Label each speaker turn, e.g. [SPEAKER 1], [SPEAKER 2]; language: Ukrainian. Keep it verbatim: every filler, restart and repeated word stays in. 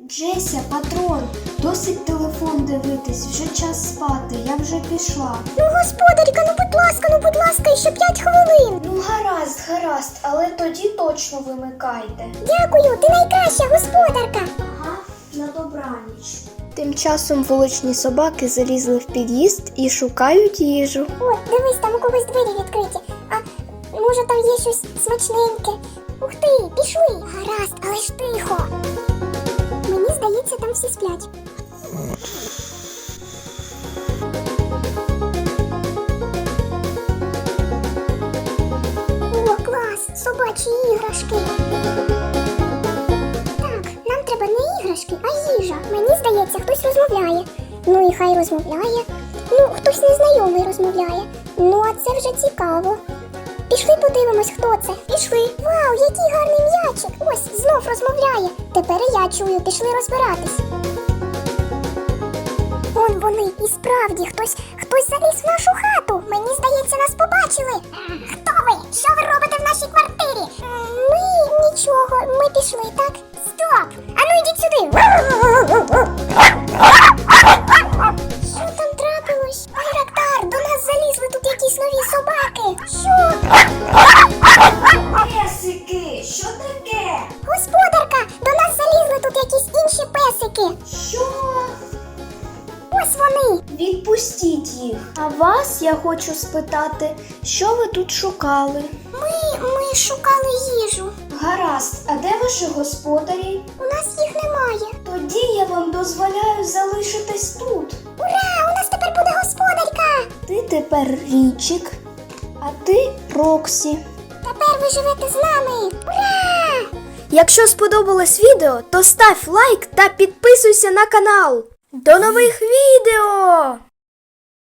[SPEAKER 1] Джеся, патрон, досить телефон дивитись, вже час спати, я вже пішла.
[SPEAKER 2] Ну, господарка, ну будь ласка, ну будь ласка, ще п'ять хвилин.
[SPEAKER 1] Ну гаразд, гаразд, але тоді точно вимикайте.
[SPEAKER 2] Дякую, ти найкраща господарка.
[SPEAKER 1] Ага, на добраніч.
[SPEAKER 3] Тим часом вуличні собаки залізли в під'їзд і шукають їжу.
[SPEAKER 2] О, дивись, там у когось двері відкриті. А може там є щось смачненьке? Ух ти, пішли. Гаразд, але ж тихо. Мені здається, там всі сплять. О, клас, собачі іграшки. Так, нам треба не іграшки, а їжа. Мені здається, хтось розмовляє. Ну і хай розмовляє. Ну, хтось незнайомий розмовляє. Ну, а це вже цікаво. Пішли подивимось, хто це. Пішли. Вау, який гарний м'ячик. Ось, знов розмовляє. Тепер і я чую, пішли розбиратись. Вон вони, і справді, хтось, хтось заліз в нашу хату. Мені здається, нас побачили. Хто ви? Що ви робите в нашій квартирі? Ми нічого, ми пішли, так? Стоп! Ану йдіть сюди. Що там трапилось? Байрактар, до нас залізли тут якісь нові собаки. Що?
[SPEAKER 1] Песики, що таке?
[SPEAKER 2] Господарка, до нас залізли тут якісь інші песики.
[SPEAKER 1] Що?
[SPEAKER 2] Ось вони.
[SPEAKER 1] Відпустіть їх.
[SPEAKER 3] А вас я хочу спитати, що ви тут шукали?
[SPEAKER 2] Ми, ми шукали їжу.
[SPEAKER 1] Гаразд, а де ваші господарі?
[SPEAKER 2] У нас їх немає.
[SPEAKER 1] Тоді я вам дозволяю залишитись тут.
[SPEAKER 2] Ура, у нас тепер буде господарка.
[SPEAKER 3] Ти тепер Річик, а ти Роксі.
[SPEAKER 2] Тепер ви живете з нами. Ура!
[SPEAKER 3] Якщо сподобалось відео, то став лайк та підписуйся на канал. До нових відео!